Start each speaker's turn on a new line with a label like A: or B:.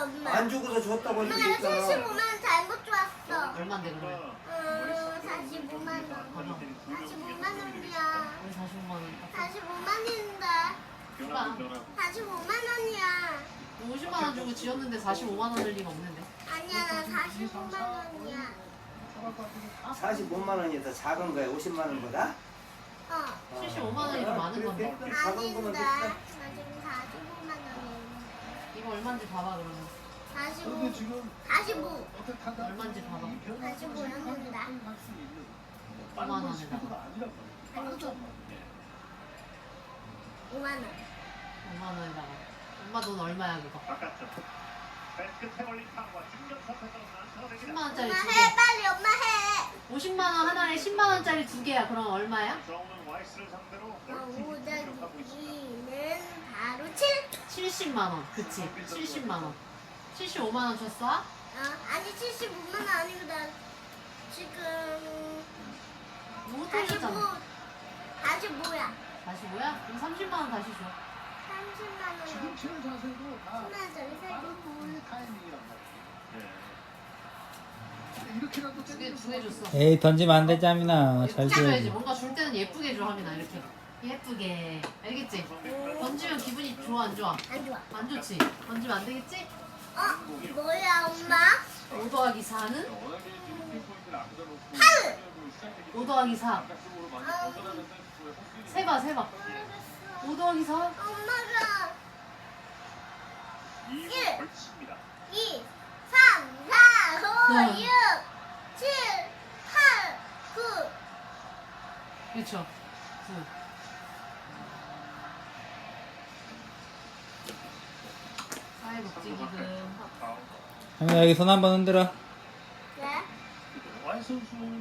A: 엄마.
B: 안 주고서 줬다고
A: 엄마
B: 했을
A: 나
B: 때 있잖아.
A: 75만 원 잘못 줬어.
C: 얼마인데 그러면?
A: 45만 원. 45만 원이야.
C: 우리 45만 원.
A: 45만인데. 45만 원이야.
C: 50만 원 주고 지었는데 45만 원 을 리가 없는데.
A: 아니야 나 45만 원이야.
B: 45만 원이 더 작은 거야, 50만 원보다?
C: 75만 원이 더 많은 건데.
B: 작은 거면
A: 아닌데.
B: 됐다.
A: 나 지금 45만 원이야.
C: 이거 얼마인지 봐봐 그러면.
A: 45. 45.
C: 얼마인지 봐봐.
A: 45였는데.
C: 5만 원에다가.
A: 아니죠. 5만 원.
C: 5만 원에다가. 엄마 돈 얼마야 그거? 10만 원짜리
A: 엄마
C: 두
A: 해
C: 개.
A: 빨리 엄마 해.
C: 50만 원 하나에 10만 원짜리 두 개야. 그럼 얼마야?
A: 5더기는 바로 7.
C: 70만 원. 그치? 70만 원. 75만 원 줬어?
A: 아니 75만 원 아니고 나 지금
C: 못
A: 45.
C: 해줬잖아.
A: 45야.
C: 다시 뭐야? 그럼 30만 원 다시 줘.
A: 30만 원.
D: 지금 치는 자세도 다
A: 10만 원짜리 세 개.
D: 다른 거의 타이밍이란 말이야. 이렇게라도
C: 두 개 줬어.
E: 에이 던지면 안 되지 하민아. 잘
C: 예쁘게 줘야지.
E: 줘야지.
C: 뭔가 줄 때는 예쁘게 줘 하민아 이렇게. 예쁘게. 알겠지? 던지면 기분이 좋아 안 좋아?
A: 안 좋아.
C: 안 좋지? 던지면 안 되겠지?
A: 뭐야 엄마?
C: 5 더하기 4는?
A: 8.
C: 5 더하기 4. 세봐 세봐. 5 더하기 4?
A: 엄마가 1, 2, 3, 4, 5, 6, 7, 8, 9.
C: 그렇죠. 9. 사회 복지 기금.
E: 하민아 여기 손 한번 흔들어.
A: 네?
D: 완선수